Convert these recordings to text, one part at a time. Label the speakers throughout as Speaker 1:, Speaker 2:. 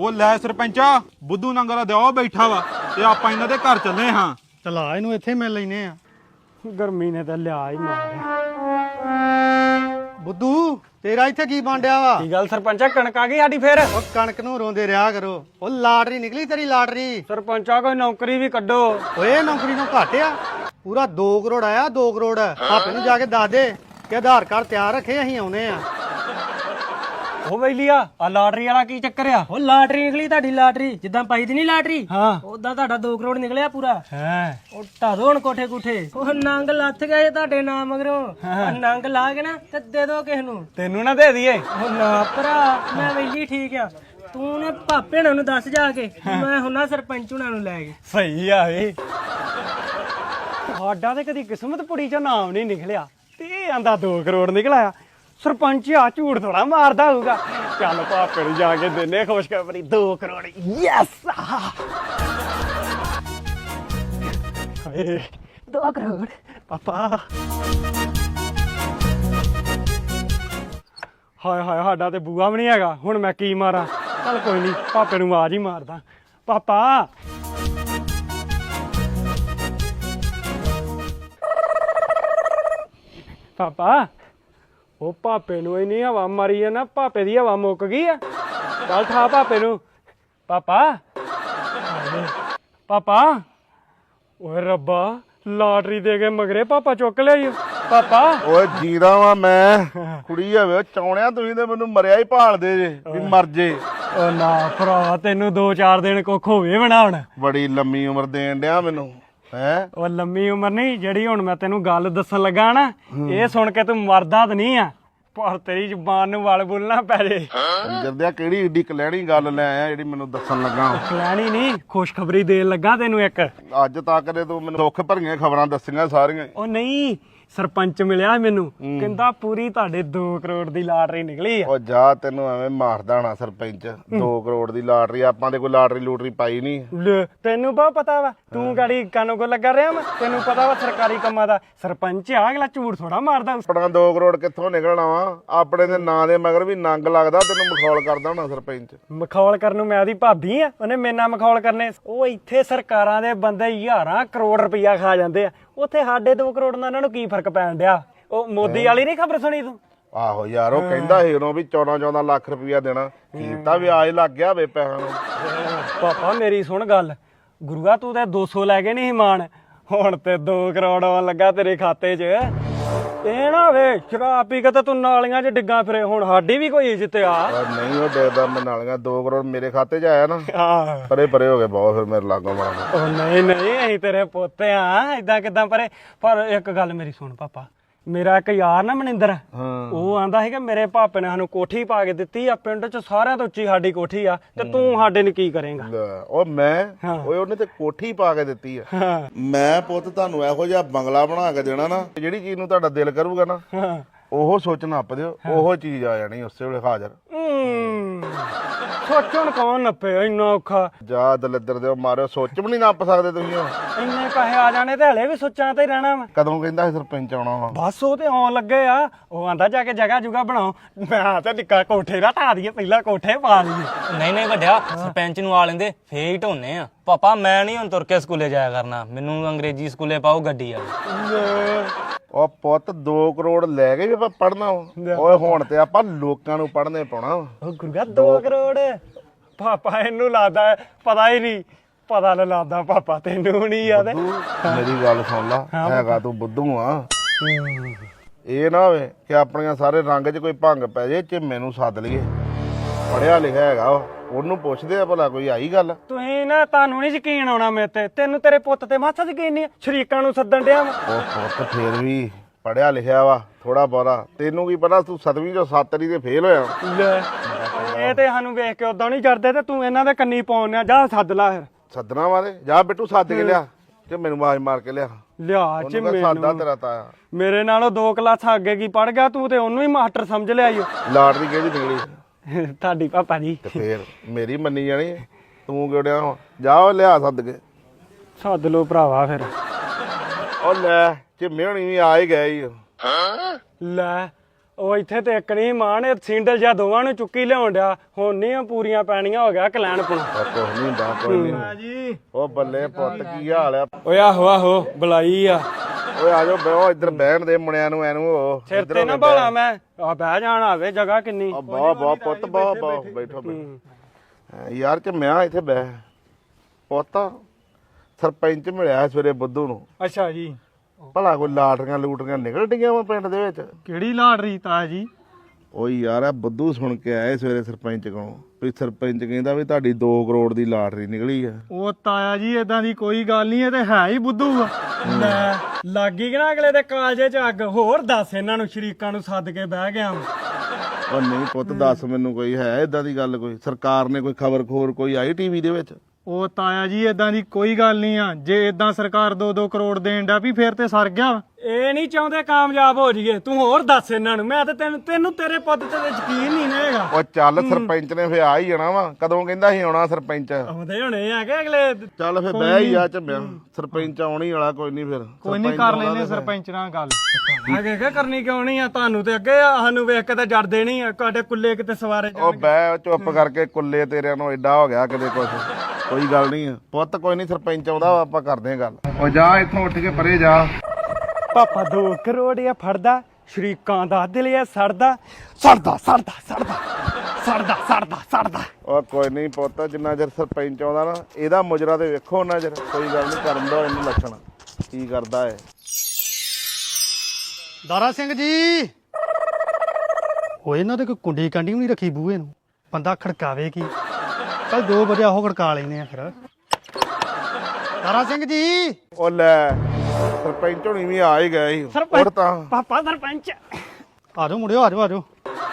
Speaker 1: ਉਹ ਲੈ ਸਰਪੰਚਾ ਬੁੱਧੂ ਨੰਗਲਾ ਦਿਓ ਬੈਠਾ ਵਾ ਤੇ ਆਪਾਂ ਇਹਨਾਂ ਦੇ ਘਰ ਚੱਲੇ ਹਾਂ।
Speaker 2: ਚਲਾ ਇਹਨੂੰ ਇੱਥੇ ਮਿਲ ਲੈਨੇ ਆ। ਗਰਮੀ ਨੇ ਤਾਂ ਲਿਆ ਹੀ ਮਾਰਿਆ। ਬੁੱਧੂ ਤੇਰਾ ਇੱਥੇ ਕੀ ਬਾਂਡਿਆ ਵਾ?
Speaker 3: ਕੀ ਗੱਲ ਸਰਪੰਚਾ, ਕਣਕ ਆ ਗਈ ਸਾਡੀ ਫੇਰ?
Speaker 2: ਉਹ ਕਣਕ ਨੂੰ ਰੋਂਦੇ ਰਿਹਾ ਕਰੋ। ਉਹ ਲਾਟਰੀ ਨਿਕਲੀ ਤੇਰੀ ਲਾਟਰੀ।
Speaker 3: ਸਰਪੰਚਾ ਕੋਈ ਨੌਕਰੀ ਵੀ ਕੱਢੋ।
Speaker 2: ਓਏ ਨੌਕਰੀ ਨੂੰ ਘੱਟ ਆ, ਪੂਰਾ 2 ਕਰੋੜ ਆਇਆ। 2 ਕਰੋੜ ਭਾਪੇ ਨੂੰ ਜਾ ਕੇ ਦੱਸ ਦੇ ਕਿ ਆਧਾਰ ਕਾਰਡ ਤਿਆਰ ਰੱਖੇ, ਅਸੀਂ ਆਉਨੇ ਆ।
Speaker 3: ਉਹ ਬੈਲੀਆ ਆ ਲਾਟਰੀ ਵਾਲਾ ਕੀ ਚੱਕਰ ਆ?
Speaker 4: ਉਹ ਲਾਟਰੀ ਨਿਕਲੀ ਤੁਹਾਡੀ ਲਾਟਰੀ, ਜਿੱਦਾਂ ਪਾਈ ਦੀ ਨਹੀਂ ਲਾਟਰੀ
Speaker 3: ਹਾਂ
Speaker 4: ਉਦਾਂ ਤੁਹਾਡਾ 2 ਕਰੋੜ ਨਿਕਲਿਆ ਪੂਰਾ।
Speaker 3: ਹੈ
Speaker 4: ਉਹ ਢਾਦੋ ਹੁਣ ਕੋਠੇ ਕੁਠੇ। ਉਹ ਨੰਗ ਲੱਥ ਗਏ ਤੁਹਾਡੇ ਨਾਮ ਮਗਰੋਂ। ਉਹ ਨੰਗ ਲਾ ਕੇ ਨਾ ਤੇ ਦੇ ਦੋ ਕਿਸ ਨੂੰ।
Speaker 3: ਤੈਨੂੰ ਨਾ ਦੇ ਦਈਏ।
Speaker 4: ਉਹ ਨਾ ਭਰਾ, ਮੈਂ ਵੈਲੀ ਠੀਕ ਆ। ਤੂੰ ਨੇ ਭਾਪੇ ਹੁਣਾਂ ਨੂੰ ਦੱਸ ਜਾ ਕੇ, ਮੈਂ ਹੁਣਾ ਸਰਪੰਚ ਹੁਣਾਂ ਨੂੰ ਲੈ ਕੇ।
Speaker 3: ਸਹੀ ਆ ਵੇ। ਸਾਡਾ ਤੇ ਕਦੀ ਕਿਸਮਤ ਪੁੜੀ ਚ ਨਾਮ ਨਹੀਂ ਨਿਕਲਿਆ ਤੇ ਇਹ ਆਂਦਾ 2 ਕਰੋੜ ਨਿਕਲਿਆ। ਸਰਪੰਚ ਆ ਝੂਠ ਥੋੜਾ ਮਾਰਦਾ ਹੋਊਗਾ। ਚੱਲ ਭਾਪੇ ਨੂੰ ਜਾ ਕੇ ਦਿੰਨੇ ਖੁਸ਼ਖਬਰੀ, 2 ਕਰੋੜ। ਯੈਸ 2 ਕਰੋੜ ਪਾਪਾ। ਹਾਏ ਹਾਏ, ਸਾਡਾ ਤੇ ਬੂਆ ਵੀ ਨਹੀਂ ਹੈਗਾ, ਹੁਣ ਮੈਂ ਕੀ ਮਾਰਾਂ? ਚੱਲ ਕੋਈ ਨਹੀਂ, ਭਾਪੇ ਨੂੰ ਆਵਾਜ਼ ਹੀ ਮਾਰਦਾ। ਪਾਪਾ ਪਾਪਾ, ਉਹ ਭਾਪੇ ਨੂੰ ਇੰਨੀ ਹਵਾ ਮਾਰੀ ਆ ਨਾ, ਭਾਪੇ ਦੀ ਹਵਾ ਮੁੱਕ ਗਈ ਆ। ਚੱਲ ਠਾ ਭਾਪੇ ਨੂੰ। ਪਾਪਾ ਪਾਪਾ, ਓਏ ਰੱਬਾ, ਲਾਟਰੀ ਦੇ ਕੇ ਮਗਰੇ ਪਾਪਾ ਚੁੱਕ ਲਿਆ ਪਾਪਾ।
Speaker 5: ਓਏ ਜੀਦਾ ਵਾਂ ਮੈਂ, ਕੁੜੀ ਹੋਵੇ ਚੌਣਿਆ, ਤੁਸੀਂ ਤੇ ਮੈਨੂੰ ਮਰਿਆ ਹੀ ਭਾਲਦੇ ਜੇ ਵੀ ਮਰ ਜੇ।
Speaker 3: ਓ ਨਾ ਭਰਾ, ਤੈਨੂੰ 2-4 ਦਿਨ ਕੁੱਖ ਹੋਵੇ ਬਣਾਉਣ।
Speaker 5: ਬੜੀ ਲੰਮੀ ਉਮਰ ਦੇਣ ਡਿਆ ਮੈਨੂੰ ਹੈ।
Speaker 3: ਉਹ ਲੰਮੀ ਉਮਰ ਨਹੀਂ, ਜਿਹੜੀ ਹੁਣ ਮੈਂ ਤੈਨੂੰ ਗੱਲ ਦੱਸਣ ਲੱਗਾ ਨਾ, ਇਹ ਸੁਣ ਕੇ ਤੂੰ ਮਰਦਾ ਤਾਂ ਨਹੀਂ ਆ, ਪਰ ਤੇਰੀ ਜ਼ੁਬਾਨ ਨੂੰ ਵਲ ਬੁੱਲਣਾ ਪੈ ਜੇ।
Speaker 5: ਜਰਦਿਆ ਕਿਹੜੀ ਏਡੀ ਕਲੈਣੀ ਗੱਲ ਲੈ ਆਇਆ ਜਿਹੜੀ ਮੈਨੂੰ ਦੱਸਣ ਲੱਗਾ।
Speaker 3: ਲੈਣੀ ਨਹੀਂ, ਖੁਸ਼ਖਬਰੀ ਦੇਣ ਲੱਗਾ ਤੈਨੂੰ ਇੱਕ।
Speaker 5: ਅੱਜ ਤੱਕ ਦੇ ਤੂੰ ਮੈਨੂੰ ਦੁੱਖ ਭਰੀਆਂ ਖਬਰਾਂ ਦੱਸੀਆਂ ਸਾਰੀਆਂ।
Speaker 3: ਉਹ ਨਹੀਂ, ਸਰਪੰਚ ਮਿਲਿਆ ਮੈਨੂੰ, ਕਹਿੰਦਾ ਪੂਰੀ ਤੁਹਾਡੇ 2 ਕਰੋੜ ਦੀ ਲਾਟਰੀ ਨਿਕਲੀ ਆ।
Speaker 5: ਉਹ ਜਾ, ਤੈਨੂੰ ਐਵੇਂ ਮਾਰਦਾ ਹੋਣਾ ਸਰਪੰਚ। 2 ਕਰੋੜ ਦੀ ਲਾਟਰੀ, ਆਪਾਂ ਦੇ ਕੋਈ ਲਾਟਰੀ ਲੂਟਰੀ ਪਾਈ ਨਹੀਂ।
Speaker 3: ਲੈ, ਤੈਨੂੰ ਬਹੁਤ ਪਤਾ ਵਾ, ਤੂੰ ਗਾੜੀ ਕਾਨੋ ਕੋ ਲੱਗਾ ਰਿਹਾ ਵਾ, ਤੈਨੂੰ ਪਤਾ ਵਾ ਸਰਕਾਰੀ ਕੰਮਾਂ ਦਾ। ਸਰਪੰਚ ਆ, ਅਗਲਾ ਝੂਠ ਥੋੜਾ ਮਾਰਦਾ।
Speaker 5: ਆਪਣਾ 2 ਕਰੋੜ ਕਿੱਥੋਂ ਨਿਕਲਣਾ ਵਾ? ਆਪਣੇ ਦੇ ਨਾਂ ਦੇ ਮਗਰ ਵੀ ਨੰਗ ਲੱਗਦਾ, ਤੈਨੂੰ ਮਖੌਲ ਕਰਦਾ ਹੋਣਾ ਸਰਪੰਚ।
Speaker 3: ਮਖੌਲ ਕਰਨ ਨੂੰ ਮੈਂ ਉਹਦੀ ਭਾਬੀ ਆ, ਉਹਨੇ ਮੇਰੇ ਨਾਲ ਮਖੌਲ ਕਰਨੇ? ਉਹ ਇੱਥੇ ਸਰਕਾਰਾਂ ਦੇ ਬੰਦੇ 1000 ਕਰੋੜ ਰੁਪਈਆ ਖਾ ਜਾਂਦੇ ਆ, ਉੱਥੇ ਸਾਡੇ 2 ਕਰੋੜ ਨਾਲ ਉਹਨਾਂ ਨੂੰ ਕੀ ਫਰਕ ਪੈਣ ਡਿਆ? ਉਹ ਮੋਦੀ ਵਾਲੀ ਨਹੀਂ ਖਬਰ ਸੁਣੀ ਤੂੰ?
Speaker 5: ਆਹੋ ਯਾਰ, ਉਹ ਕਹਿੰਦਾ ਸੀ ਉਦੋਂ ਵੀ 14-14 ਲੱਖ ਰੁਪਈਆ ਦੇਣਾ, ਕੀਤਾ ਵਿਆਜ ਲੱਗ ਗਿਆ ਵੇ ਪੈਸਿਆਂ ਨੂੰ।
Speaker 3: ਪਾਪਾ ਮੇਰੀ ਸੁਣ ਗੱਲ, ਗੁਰੂਆ ਤੂੰ ਤੇ 200 ਲੈ ਕੇ ਨਹੀਂ ਮਾਣ, ਹੁਣ ਤੇ 2 ਕਰੋੜ ਆਉਣ ਲੱਗਾ ਤੇਰੇ ਖਾਤੇ 'ਚ। ਇਹ ਨਾ ਵੇ ਸ਼ਰਾਬ ਪੀ ਕੇ ਤੇ ਤੂੰ ਨਾਲੀਆਂ 'ਚ ਡਿੱਗਾ ਫਿਰੇ, ਹੁਣ ਸਾਡੀ ਵੀ ਕੋਈ ਇੱਜ਼ਤ ਆ।
Speaker 5: ਨਹੀਂ ਉਹ ਡੇਦਾ ਮੈਂ ਨਾਲੀਆਂ 2 ਕਰੋੜ ਮੇਰੇ ਖਾਤੇ 'ਚ ਆਇਆ ਨਾ,
Speaker 3: ਆਹ,
Speaker 5: ਪਰੇ ਪਰੇ ਹੋ ਗਏ ਬਹੁਤ, ਫਿਰ ਮੇਰੇ ਲਾਗੋਂ ਮਾਰਾ।
Speaker 3: ਉਹ ਨਹੀਂ ਨਹੀਂ, ਅਸੀਂ ਤੇਰੇ ਪੁੱਤ ਆ, ਏਦਾਂ ਕਿਦਾਂ ਪਰੇ? ਪਰ ਇੱਕ ਗੱਲ ਮੇਰੀ ਸੁਣ ਪਾਪਾ, ਮੇਰਾ ਇੱਕ ਯਾਰ ਨਾ ਮਨਿੰਦਰ, ਉਹ ਆਂਦਾ ਸੀਗਾ ਮੇਰੇ ਭਾਪੇ ਨੇ ਸਾਨੂੰ ਕੋਠੀ ਪਾ ਕੇ ਦਿੱਤੀ ਆ, ਪਿੰਡ 'ਚ ਸਾਰਿਆਂ ਤੋਂ ਉੱਚੀ ਸਾਡੀ ਕੋਠੀ ਆ, ਤੇ ਤੂੰ ਸਾਡੇ ਨੂੰ ਕੀ ਕਰੇਂਗਾ?
Speaker 5: ਉਹ ਮੈਂ ਓਏ ਉਹਨੇ ਤੇ ਕੋਠੀ ਪਾ ਕੇ ਦਿੱਤੀ ਆ। ਮੈਂ ਪੁੱਤ ਤੁਹਾਨੂੰ ਇਹੋ ਜਿਹਾ ਬੰਗਲਾ ਬਣਾ ਕੇ ਦੇਣਾ ਨਾ, ਜਿਹੜੀ ਚੀਜ਼ ਨੂੰ ਤੁਹਾਡਾ ਦਿਲ ਕਰੂਗਾ ਨਾ, ਉਹ ਸੋਚ ਨੱਪ ਦਿਓ, ਉਹੋ ਚੀਜ਼ ਆ ਜਾਣੀ ਉਸੇ ਵੇਲੇ ਹਾਜ਼ਰ।
Speaker 3: ਸੋਚਣ ਕੌਣ ਨੱਪੇ, ਇੰਨਾ ਔਖਾ?
Speaker 5: ਜਾ ਦਲਿੱਦਰ ਦਿਓ ਮਾਰਿਓ, ਸੋਚ ਵੀ ਨਹੀਂ ਨੱਪ ਸਕਦੇ ਤੁਸੀਂ।
Speaker 3: ਇੰਨੇ ਪੈਸੇ ਆ ਜਾਣੇ ਤੇ ਹਲੇ ਵੀ ਸੋਚਾਂ ਤੇ ਹੀ ਰਹਿਣਾ ਵਾ।
Speaker 5: ਕਦੋਂ ਕਹਿੰਦਾ ਸੀ ਸਰਪੰਚ ਆਉਣਾ ਵਾ?
Speaker 3: ਬਸ ਉਹ ਤੇ ਆਉਣ ਲੱਗੇ ਆ, ਉਹ ਆਂਦਾ ਜਾ ਕੇ ਜਗ੍ਹਾ ਜੁਗਾ ਬਣਾਓ। ਮੈਂ ਤੇ ਨਿੱਕਾ ਕੋਠੇ ਦਾ ਢਾ ਦਈਏ, ਪਹਿਲਾਂ ਕੋਠੇ ਪਾ ਲਈਏ।
Speaker 6: ਨਹੀਂ ਨਹੀਂ ਵੱਡਿਆ, ਸਰਪੰਚ ਨੂੰ ਆ ਲੈਂਦੇ ਫੇਰ ਹੀ ਢੋਨੇ ਆ। ਪਾਪਾ ਮੈਂ ਨਹੀਂ ਹੁਣ ਤੁਰ ਕੇ ਸਕੂਲੇ ਜਾਇਆ ਕਰਨਾ, ਮੈਨੂੰ ਅੰਗਰੇਜ਼ੀ ਸਕੂਲੇ ਪਾਓ ਗੱਡੀ ਵਾਲੀ।
Speaker 5: ਉਹ ਪੁੱਤ 2 ਕਰੋੜ ਲੈ ਕੇ ਵੀ ਆਪਾਂ ਪੜਨਾ ਓਏ, ਹੁਣ ਤੇ ਆਪਾਂ ਲੋਕਾਂ ਨੂੰ ਪੜਨੇ ਪਾਉਣਾ।
Speaker 3: ਉਹ ਗੁਰਗਾ 2 ਕਰੋੜ ਪਾਪਾ, ਇਹਨੂੰ ਲੱਗਦਾ ਪਤਾ ਹੀ ਨਹੀਂ, ਪਤਾ ਨਾ ਲੱਗਦਾ ਪਾਪਾ ਤੈਨੂੰ ਨਹੀਂ ਯਾਦ?
Speaker 5: ਮੇਰੀ ਗੱਲ ਸੁਣ ਲਾ, ਹੈਗਾ ਤੂੰ ਬੁੱਧੂ ਆ। ਇਹ ਨਾ ਹੋਵੇ ਕਿ ਆਪਣੀਆਂ ਸਾਰੇ ਰੰਗ 'ਚ ਕੋਈ ਭੰਗ ਪੈ ਜੇ, ਝਿੰਮੇ ਨੂੰ ਸੱਦ ਲਈਏ, ਪੜਿਆ ਲਿਖਿਆ ਹੈਗਾ ਉਹਨੂੰ ਪੁੱਛਦੇ ਆ ਭਲਾ ਕੋਈ ਆਈ ਗੱਲ।
Speaker 3: ਤੁਸੀਂ ਨਾ, ਤੁਹਾਨੂੰ ਨਹੀਂ ਯਕੀਨ ਆਉਣਾ ਮੇਰੇ ਤੇ, ਤੈਨੂੰ ਤੇਰੇ ਪੁੱਤ ਤੇ ਮਾਸਾ ਯਕੀਨ ਨਹੀਂ, ਸ਼ਰੀਕਾਂ ਨੂੰ ਸੱਦਣ ਡਿਆ ਵਾ।
Speaker 5: ਉਹ ਪੁੱਤ ਫੇਰ ਵੀ ਪੜਿਆ ਲਿਖਿਆ ਵਾ ਥੋੜਾ ਬਹੁਤਾ, ਤੈਨੂੰ ਕੀ ਪਤਾ ਤੂੰ 7ਵੀਂ ਚੋਂ 7 ਵਾਰੀ ਤੇ ਫੇਲ ਹੋਇਆ।
Speaker 3: ਇਹ ਤੇ ਸਾਨੂੰ ਵੇਖ ਕੇ ਉਦਾਂ ਨਹੀਂ ਚੜਦੇ, ਤੇ ਤੂੰ ਇਹਨਾਂ ਦੇ ਕੰਨੀ ਪਾਉਣਿਆ। ਜਾ ਸੱਦ ਲਾ ਫਿਰ।
Speaker 5: ਸੱਦਣਾ ਵਾਲੇ, ਜਾ ਬਿੱਟੂ ਸੱਦ ਕੇ ਲਿਆ, ਤੇ ਮੈਨੂੰ ਆਵਾਜ਼ ਮਾਰ ਕੇ ਲਿਆ।
Speaker 3: ਲਿਆ ਚ
Speaker 5: ਸਾਦਾ ਤੇਰਾ ਤਾਇਆ
Speaker 3: ਮੇਰੇ ਨਾਲੋਂ 2 ਕਲਾਸਾਂ ਅੱਗੇ ਕੀ ਪੜ ਗਿਆ ਤੂੰ, ਤੇ ਉਹਨੂੰ ਹੀ ਮਾਸਟਰ ਸਮਝ ਲਿਆ ਈ।
Speaker 5: ਲਾਟਰੀ ਕਿਹਦੀ ਨਿਕਲੀ?
Speaker 3: ਤੁਹਾਡੀ ਪਾਪਾ ਜੀ।
Speaker 5: ਤੇ ਫੇਰ ਮੇਰੀ ਮੰਨੀ ਜਾਣੀ, ਤੂੰ ਕਿਹੜਿਆ? ਜਾ ਲਿਆ ਸੱਦ ਕੇ।
Speaker 3: ਸੱਦ ਲੋ ਭਰਾਵਾ ਫਿਰ।
Speaker 5: ਉਹ ਲੈ ਝਿੰਮੇ ਹੋਣੀ ਵੀ ਆ ਹੀ ਗਏ ਈ।
Speaker 3: ਲੈ ਉਹ ਇੱਥੇ ਤੇ ਇੱਕ ਨਹੀਂ ਮਾਨ ਇਹ ਸਿੰਡਲ ਜਾਂ ਦੋਵਾਂ ਨੂੰ ਚੁੱਕੀ ਲਿਆਉਣ ਡਿਆ ਹੁਣ ਨਹੀਂ ਪੂਰੀਆਂ ਪੈਣੀਆਂ ਹੋ ਗਿਆ ਕਲੈਣ ਪੁਣਾ
Speaker 5: ਕੁਛ ਨਹੀਂ ਹੁੰਦਾ ਕੋਈ ਨਹੀਂ
Speaker 1: ਜੀ
Speaker 5: ਉਹ ਬੱਲੇ ਪੁੱਤ ਕੀ ਹਾਲ ਆ
Speaker 3: ਓਏ ਆਹੋ ਬੁਲਾਈ ਆ
Speaker 5: ਓਏ ਆ ਜਾਓ ਬਹਿਓ ਇੱਧਰ ਬਹਿਣ ਦੇ ਮੁੰਡਿਆਂ ਨੂੰ ਐਨੂੰ ਹੋ
Speaker 3: ਸਿਰ ਤੇ ਨਾ ਭਾਲਾ ਮੈਂ ਆ ਬਹਿ ਜਾਣ ਆਵੇ ਜਗ੍ਹਾ ਕਿੰਨੀ
Speaker 5: ਬਹੁਤ ਪੁੱਤ ਬਹੁਤ ਬੈਠੋ ਯਾਰ ਚ ਮੈਂ ਇੱਥੇ ਬਹਿ ਪੁੱਤ ਸਰਪੰਚ ਮਿਲਿਆ ਸਵੇਰੇ ਬੁੱਧੂ ਨੂੰ
Speaker 1: ਅੱਛਾ ਜੀ
Speaker 5: ਭਲਾ ਕੋਈ ਲਾਟਰੀਆਂ ਲੂਟਰੀਆਂ ਨਿਕਲ ਡੀਆਂ ਵਾ ਪਿੰਡ ਦੇ ਵਿੱਚ
Speaker 1: ਕਿਹੜੀ ਲਾਟਰੀ ਤਾਇਆ ਜੀ
Speaker 5: ਓਏ ਯਾਰ ਆ ਬੁੱਧੂ ਸੁਣ ਕੇ ਆਏ ਸਵੇਰੇ ਸਰਪੰਚ ਕੋਲੋਂ ਵੀ ਸਰਪੰਚ ਕਹਿੰਦਾ ਵੀ ਤੁਹਾਡੀ 2 ਕਰੋੜ ਦੀ ਲਾਟਰੀ ਨਿਕਲੀ ਆ
Speaker 1: ਉਹ ਤਾਇਆ ਜੀ ਇਦਾਂ ਦੀ ਕੋਈ ਗੱਲ ਨਹੀਂ ਇਹ ਤੇ ਹੈ ਹੀ ਬੁੱਧੂ ਆ
Speaker 3: ਲੈ ਲੱਗੀ ਕਿ ਨਾ ਅਗਲੇ ਦੇ ਕਾਲਜੇ ਚ ਅੱਗ ਹੋਰ ਦੱਸ ਇਹਨਾਂ ਨੂੰ ਸ਼ਰੀਕਾਂ ਨੂੰ ਸੱਦ ਕੇ ਬਹਿ ਗਿਆ
Speaker 5: ਉਹ ਨਹੀਂ ਪੁੱਤ ਦੱਸ ਮੈਨੂੰ ਕੋਈ ਹੈ ਇਦਾਂ ਦੀ ਗੱਲ ਕੋਈ ਸਰਕਾਰ ਨੇ ਕੋਈ ਖਬਰ ਕੋਈ ਆਈ ਟੀਵੀ ਦੇ ਵਿੱਚ
Speaker 1: ਉਹ ਤਾਇਆ ਜੀ ਇਦਾਂ ਦੀ ਕੋਈ ਗੱਲ ਨਹੀਂ ਆ ਜੇ ਇਦਾਂ ਸਰਕਾਰ 2-2 ਕਰੋੜ ਦੇਣ ਦਾ ਵੀ ਫੇਰ ਤੇ ਸਰ ਗਿਆ
Speaker 3: ਇਹ ਨਹੀਂ ਚਾਹੁੰਦੇ ਕਾਮਯਾਬ ਹੋ ਜਾਈਏ ਤੂੰ ਹੋਰ ਦੱਸ ਇਹਨਾਂ ਨੂੰ ਮੈਂ ਤਾਂ ਤੈਨੂੰ ਤੇਰੇ ਪੁੱਤ ਤੇ ਯਕੀਨ ਨਹੀਂ ਨਾ ਹੈਗਾ
Speaker 5: ਉਹ ਚੱਲ ਸਰਪੰਚ ਨੇ ਫੇ ਆ ਹੀ ਜਾਣਾ ਵਾ ਕਦੋਂ ਕਹਿੰਦਾ ਸੀ ਆਉਣਾ ਸਰਪੰਚ
Speaker 3: ਆਉਂਦੇ ਹੋਣੇ ਆ ਕਿ ਅਗਲੇ
Speaker 5: ਚੱਲ ਫੇ ਬਹਿ ਹੀ ਆ ਝੰਮਿਆ ਸਰਪੰਚ ਆਉਣੀ ਵਾਲਾ ਕੋਈ ਨਹੀਂ ਫਿਰ
Speaker 1: ਕੋਈ ਨਹੀਂ ਕਰ ਲੈਨੇ ਸਰਪੰਚ ਨਾਲ ਗੱਲ
Speaker 3: ਅੱਗੇ ਕੀ ਕਰਨੀ ਕਿਉਂ ਨਹੀਂ ਆ ਤੁਹਾਨੂੰ ਤੇ ਅੱਗੇ ਆ ਸਾਨੂੰ ਵੇਖ ਕੇ ਤਾਂ ਜਰਦੇ ਨਹੀਂ ਆ ਤੁਹਾਡੇ ਕੁੱਲੇ ਕਿਤੇ ਸਵਾਰੇ
Speaker 5: ਉਹ ਬਹਿ ਚੁੱਪ ਕਰਕੇ ਕੁੱਲੇ ਤੇਰਿਆਂ ਨੂੰ ਐਡਾ ਹੋ ਗਿਆ ਕਿਤੇ ਕੁਛ ਕੋਈ ਗੱਲ ਨਹੀਂ ਪੁੱਤ ਕੋਈ ਨਹੀਂ ਸਰਪੰਚ ਆਉਂਦਾ ਆਪਾਂ ਕਰਦੇ ਆ ਗੱਲ ਉਹ ਜਾ ਇੱਥੋਂ ਉੱਠ ਕੇ ਪਰੇ ਜਾ
Speaker 3: ਪਾਪਾ 2 ਕਰੋੜ ਆ ਫੜਦਾ ਸ਼ਰੀਕਾਂ ਦਾ ਦਿਲ ਆ ਸੜਦਾ
Speaker 5: ਉਹ ਕੋਈ ਨਹੀਂ ਪੁੱਤ ਜਿੰਨਾ ਚਿਰ ਸਰਪੰਚ ਆਉਂਦਾ ਨਾ ਇਹਦਾ ਮੁਜਰਾ ਤੇ ਵੇਖੋ ਉਹਨਾਂ ਚਿਰ ਕੋਈ ਗੱਲ ਨਹੀਂ ਕਰਨ ਦਾ ਇਹਨੂੰ ਲੱਛਣ ਕੀ ਕਰਦਾ ਏ
Speaker 2: ਦਾਰਾ ਸਿੰਘ ਜੀ ਹੋਏ ਇਹਨਾਂ ਤੇ ਕੋਈ ਕੁੰਡੀ ਕਾਂਡੀ ਵੀ ਨਹੀਂ ਰੱਖੀ ਬੂਹੇ ਨੂੰ ਬੰਦਾ ਖੜਕਾਵੇ ਕੀ ਕੱਲ 2 ਵਜੇ ਆਹੋ ਖੜਕਾ ਲੈਨੇ ਆ ਫਿਰ ਦਾਰਾ ਸਿੰਘ ਜੀ
Speaker 5: ਉਹ ਲੈ ਸਰਪੰਚ ਹੋਣੀ ਵੀ ਆ ਹੀ ਗਏ ਸੀ ਉੱਠ ਤਾਂ
Speaker 3: ਪਾਪਾ ਸਰਪੰਚ
Speaker 2: ਆ ਜਾਓ ਮੁੰਡਿਓ ਆ ਜਾਓ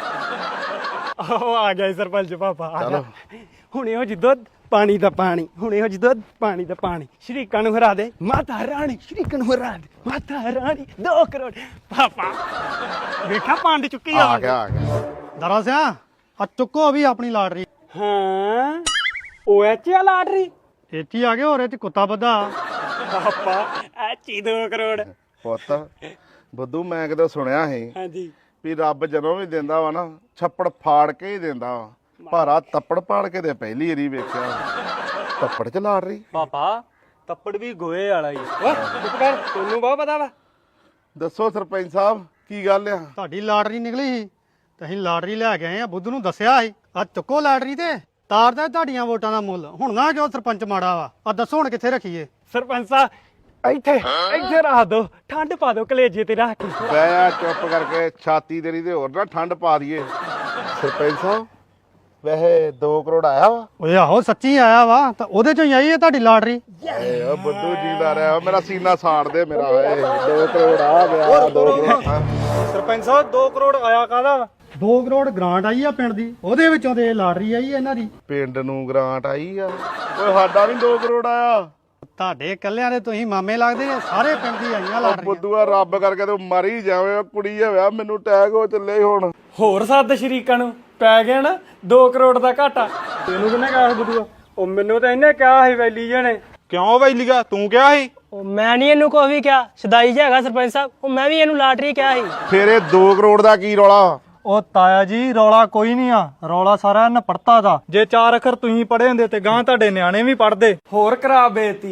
Speaker 3: ਆਹੋ ਆ ਗਿਆ ਸਰਪੰਚ ਪਾਪਾ ਆ
Speaker 5: ਚਲੋ।
Speaker 3: ਗਿਆ ਹੁਣ ਇਹੋ ਜੀ ਦੁੱਧ ਪਾਣੀ ਦਾ ਪਾਣੀ ਹੁਣ ਇਹੋ ਜੀ ਦੁੱਧ ਪਾਣੀ ਦਾ ਪਾਣੀ ਸ਼ਰੀਕਾਂ ਨੂੰ ਹਰਾ ਦੇ ਮਾਤਾ ਰਾਣੀ ਸ਼ਰੀਕਾਂ ਨੂੰ ਹਰਾ ਦੇ ਮਾਤਾ ਰਾਣੀ 2 ਕਰੋੜ ਪਾਪਾ ਵੇਖਾ ਪੰਡ ਚੁੱਕੀ
Speaker 5: ਆ ਗਿਆ
Speaker 2: ਦਾਰਾ ਸਿਆ ਆ ਚੁੱਕੋ ਵੀ ਆਪਣੀ ਲਾਟਰੀ
Speaker 3: ਹਾਂ ਉਹ ਐਚੀ ਲਾਟਰੀ
Speaker 2: ਇੱਥੇ ਆ ਗਏ ਹੋਰ ਇਹ ਚ ਕੁੱਤਾ ਬੱਧਾ
Speaker 3: ਪਾਪਾ ਐਚੀ 2 ਕਰੋੜ
Speaker 5: ਪੁੱਤ ਬੁੱਧੂ ਮੈਂ ਕਿਤੇ ਸੁਣਿਆ ਸੀ
Speaker 3: ਹਾਂਜੀ
Speaker 5: ਵੀ ਰੱਬ ਜਦੋਂ ਵੀ ਦਿੰਦਾ ਵਾ ਨਾ ਛੱਪੜ ਫਾੜ ਕੇ ਹੀ ਦਿੰਦਾ ਵਾ ਭਾਰਾ ਤੱਪੜ ਪਾੜ ਕੇ ਤੇ ਪਹਿਲੀ ਵਾਰੀ ਵੇਖਿਆ ਤੱਪੜ ਚ ਲਾੜ ਰਹੀ
Speaker 6: ਪਾਪਾ ਤੱਪੜ ਵੀ ਗੋਏ ਵਾਲਾ ਹੀ
Speaker 3: ਓਏ ਚੁੱਪ ਕਰ ਤੈਨੂੰ ਬਹੁਤ ਪਤਾ ਵਾ
Speaker 5: ਦੱਸੋ ਸਰਪੰਚ ਸਾਹਿਬ ਕੀ ਗੱਲ ਆ
Speaker 2: ਤੁਹਾਡੀ ਲਾਟਰੀ ਨਿਕਲੀ ਸੀ ਤੇ ਅਸੀਂ ਲਾਟਰੀ ਲੈ ਕੇ ਆਏ ਆ ਬੁੱਧ ਨੂੰ ਦੱਸਿਆ ਸੀ ਆ ਚੁੱਕੋ ਲਾਟਰੀ ਤੇ ਤਾਰਦਾ ਤੁਹਾਡੀਆਂ ਵੋਟਾਂ ਦਾ ਮੁੱਲ ਹੁਣ ਨਾ ਕਿਉਂ ਸਰਪੰਚ ਮਾੜਾ ਵਾ ਆ ਦੱਸੋ ਹੁਣ ਕਿੱਥੇ ਰੱਖੀਏ
Speaker 3: ਸਰਪੰਚ ਸਾਹਿਬ ਇੱਥੇ ਰੱਖ ਦੋ ਠੰਡ ਪਾ ਦੋ ਕਲੇਜੇ ਤੇ ਰੱਖ ਕੇ
Speaker 5: ਬਹਿ ਜਾ ਚੁੱਪ ਕਰਕੇ ਛਾਤੀ ਤੇਰੀ ਤੇ ਹੋਰ ਨਾ ਠੰਡ ਪਾ ਦਈਏ ਸਰਪੰਚ ਸਾਹਿਬ ਵੈਸੇ 2 ਕਰੋੜ ਆਇਆ ਵਾ
Speaker 2: ਓਏ ਆਹੋ ਸੱਚੀ ਆਇਆ ਵਾ ਤਾਂ ਉਹਦੇ ਚੋਂ ਹੀ ਆਈ ਹੈ ਤੁਹਾਡੀ ਲਾਟਰੀ
Speaker 5: ਏ ਓ ਬੁੱਧੂ ਜੀਦਾ ਰਿਹਾ ਮੇਰਾ ਸੀਨਾ ਸਾੜ ਦੇ ਮੇਰਾ ਏ 2 ਕਰੋੜ ਆ ਗਿਆ 2 ਕਰੋੜ
Speaker 1: ਸਰਪੰਚ ਸਾਹਿਬ 2 ਕਰੋੜ ਆਇਆ ਕਾਹਦਾ
Speaker 2: 2 ਕਰੋੜ ਗ੍ਰਾਂਟ ਆਈ ਆ ਪਿੰਡ ਦੀ ਉਹਦੇ ਵਿੱਚੋਂ ਤੇ ਲਾਟਰੀ ਆਈ ਇਹਨਾਂ ਦੀ
Speaker 5: ਪਿੰਡ ਨੂੰ ਗ੍ਰਾਂਟ ਆਈ ਆ ਓਏ ਸਾਡਾ ਨਹੀਂ 2 ਕਰੋੜ ਆਇਆ
Speaker 2: ਤੁਹਾਡੇ ਇਕੱਲਿਆਂ ਦੇ ਤੁਸੀਂ ਮਾਮੇ ਲੱਗਦੇ ਨੇ ਸਾਰੇ ਪਿੰਡ ਦੀ ਆਈਆਂ
Speaker 5: ਓ
Speaker 2: ਲਾਟਰੀਆਂ
Speaker 5: ਬੁੱਧੂਆ ਰੱਬ ਕਰਕੇ ਤੂੰ ਮਰ ਹੀ ਜਾਵੇਂ ਓ ਕੁੜੀ ਹੋਇਆ ਮੈਨੂੰ ਅਟੈਕ ਹੋ ਚੱਲੇ ਹੁਣ
Speaker 3: ਹੋਰ ਸੱਦ ਸ਼ਰੀਕਾਂ ਨੂੰ ਪੈ ਗਿਆ ਨਾ 2 ਕਰੋੜ ਦਾ ਘਾਟਾ ਤੈਨੂੰ ਕਿਹਨੇ ਕਿਹਾ ਬੁੱਧੂਆ ਉਹ ਮੈਨੂੰ ਤਾਂ ਇਹਨੇ ਕਿਹਾ ਸੀ ਵੈਲੀ ਜਣੇ
Speaker 1: ਕਿਉਂ ਬਈ ਲਿਗਾ ਤੂੰ ਕਿਹਾ ਸੀ
Speaker 4: ਉਹ ਮੈਂ ਨਹੀਂ ਇਹਨੂੰ ਕੋਈ ਵੀ ਕਿਹਾ ਸਦਾਈ ਜਿਹਾ ਹੈਗਾ ਸਰਪੰਚ ਸਾਹਿਬ ਉਹ ਮੈਂ ਵੀ ਇਹਨੂੰ ਲਾਟਰੀ ਕਿਹਾ ਸੀ
Speaker 5: ਫਿਰ ਇਹ 2 ਕਰੋੜ ਦਾ ਕੀ ਰੌਲਾ
Speaker 1: ਉਹ ਤਾਇਆ ਜੀ ਰੌਲਾ ਕੋਈ ਨਹੀਂ ਆ ਰੌਲਾ ਸਾਰਾ ਨਪੜਤਾ ਦਾ ਜੇ 4 ਅੱਖਰ ਤੁਸੀਂ ਪੜ੍ਹੇ ਹੁੰਦੇ ਤੇ ਗਾਂ ਤੁਹਾਡੇ ਨਿਆਣੇ ਵੀ ਪੜ੍ਹਦੇ
Speaker 3: ਹੋਰ ਕਰਾ ਬੇਇੱਜ਼ਤੀ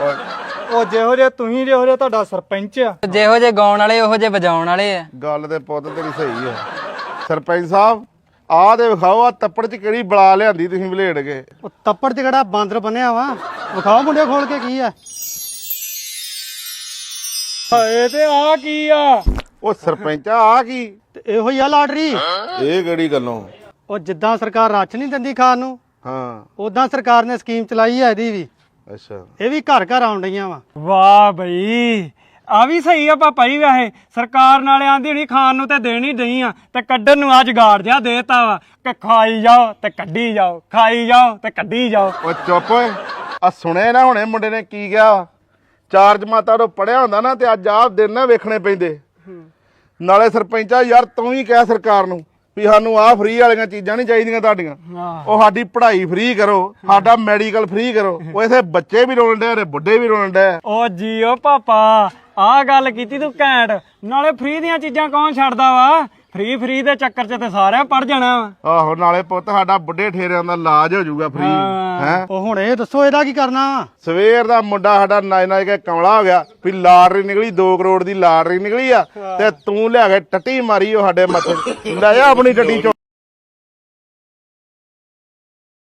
Speaker 1: ਉਹ ਜਿਹੋ ਜੇ ਤੁਸੀਂ ਜਿਹੋ ਜੇ ਤੁਹਾਡਾ ਸਰਪੰਚ ਆ
Speaker 6: ਜਿਹੋ ਜੇ ਗਾਉਣ ਵਾਲੇ ਉਹੋ ਜੇ ਵਜਾਉਣ ਵਾਲੇ ਆ
Speaker 5: ਗੱਲ ਤੇ ਪੁੱਤ ਤੇਰੀ ਸਹੀ ਆ ਸਰਪੰਚ ਸਾਹਿਬ ਆਹ ਤੇ ਵਿਖਾਓ ਆ ਤੱਪੜ ਚ ਕਿਹੜੀ ਬਲਾ ਲਿਆਂਦੀ ਤੁਸੀਂ ਵਲੇੜ ਕੇ
Speaker 2: ਉਹ ਤੱਪੜ ਚ ਕਿਹੜਾ ਬਾਂਦਰ ਬੰਨਿਆ ਵਾ ਵਿਖਾਓ ਮੁੰਡੇ ਖੋਲ ਕੇ ਕੀ ਆ
Speaker 3: ਹਾਏ ਤੇ ਆ ਕੀ ਆ
Speaker 5: ਉਹ ਸਰਪੰਚ ਆ ਕੀ
Speaker 2: ਤੇ ਇਹੋ ਹੀ ਆ ਲਾਟਰੀ
Speaker 5: ਇਹ ਕਿਹੜੀ ਗੱਲੋਂ
Speaker 2: ਉਹ ਜਿੱਦਾਂ ਸਰਕਾਰ ਰਾਸ਼ਨ ਨਹੀਂ ਦਿੰਦੀ ਖਾਣ ਨੂੰ
Speaker 5: ਹਾਂ
Speaker 2: ਉਦਾਂ ਸਰਕਾਰ ਨੇ ਸਕੀਮ ਚਲਾਈ ਹੈ ਇਹਦੀ ਵੀ
Speaker 5: ਅੱਛਾ
Speaker 2: ਇਹ ਵੀ ਘਰ ਘਰ ਆਉਣ ਡਈਆਂ ਵਾ
Speaker 3: ਵਾਹ ਬਈ ਆ ਵੀ ਸਹੀ ਆ ਪਾਪਾ ਜੀ ਵੈਸੇ ਸਰਕਾਰ ਨਾਲੇ ਆਂਦੀ ਹੋਣੀ ਖਾਣ ਨੂੰ ਤੇ ਦੇਣੀ ਨਹੀਂ ਆ ਤੇ ਕੱਢਣ ਨੂੰ ਆ ਜਗਾੜ ਜਿਹਾ ਦੇਤਾ ਵਾ ਕਿ ਖਾਈ ਜਾਓ ਤੇ ਕੱਢੀ ਜਾਓ ਖਾਈ ਜਾਓ ਤੇ ਕੱਢੀ ਜਾਓ
Speaker 5: ਉਹ ਚੁੱਪ ਓਏ ਆ ਸੁਣੇ ਨਾ ਹੁਣੇ ਮੁੰਡੇ ਨੇ ਕੀ ਕਿਹਾ 4 ਜਮਾਤਾਂ ਤੋਂ ਪੜਿਆ ਹੁੰਦਾ ਨਾ ਤੇ ਅੱਜ ਆਪ ਦਿਨ ਨਾ ਵੇਖਣੇ ਪੈਂਦੇ ਨਾਲੇ ਸਰਪੰਚਾ ਯਾਰ ਤੂੰ ਵੀ ਕਹਿ ਸਰਕਾਰ ਨੂੰ ਵੀ ਸਾਨੂੰ ਆਹ ਫ੍ਰੀ ਵਾਲੀਆਂ ਚੀਜ਼ਾਂ ਨਹੀਂ ਚਾਹੀਦੀਆਂ ਤੁਹਾਡੀਆਂ ਉਹ ਸਾਡੀ ਪੜ੍ਹਾਈ ਫ੍ਰੀ ਕਰੋ ਸਾਡਾ ਮੈਡੀਕਲ ਫ੍ਰੀ ਕਰੋ ਉਹ ਇਥੇ ਬੱਚੇ ਵੀ ਰੋਣ ਡੇ ਬੁੱਢੇ ਵੀ ਰੋਣ ਡੇ
Speaker 3: ਓ ਜੀਓ ਪਾਪਾ ਆਹ ਗੱਲ ਕੀਤੀ ਤੂੰ ਘੈਂਟ ਨਾਲੇ ਫ੍ਰੀ ਦੀਆਂ ਚੀਜ਼ਾਂ ਕੌਣ ਛੱਡਦਾ ਵਾ ਫ੍ਰੀ ਦੇ ਚੱਕਰ 'ਚ ਤੇ ਸਾਰਿਆਂ ਪੜ ਜਾਣਾ ਵਾ।
Speaker 5: ਆਹੋ ਨਾਲੇ ਪੁੱਤ ਸਾਡਾ ਬੁੱਢੇ ਠੇਰਿਆਂ ਦਾ ਇਲਾਜ ਹੋ ਜਾਊਗਾ ਫ੍ਰੀ ਹੈ।
Speaker 2: ਉਹ ਹੁਣ ਇਹ ਦੱਸੋ ਇਹਦਾ ਕੀ ਕਰਨਾ ਵਾ?
Speaker 5: ਸਵੇਰ ਦਾ ਮੁੰਡਾ ਸਾਡਾ ਨਾਚ ਕੇ ਕਮਲਾ ਹੋ ਗਿਆ ਵੀ ਲਾਟਰੀ ਨਿਕਲੀ 2 ਕਰੋੜ ਦੀ ਲਾਟਰੀ ਨਿਕਲੀ ਆ ਤੇ ਤੂੰ ਲਿਆ ਕੇ ਟੱਟੀ ਮਾਰੀ ਉਹ ਸਾਡੇ ਮੱਥੇ ਲੈ ਜਾ ਆਪਣੀ ਟੱਟੀ ਚੁੱਕ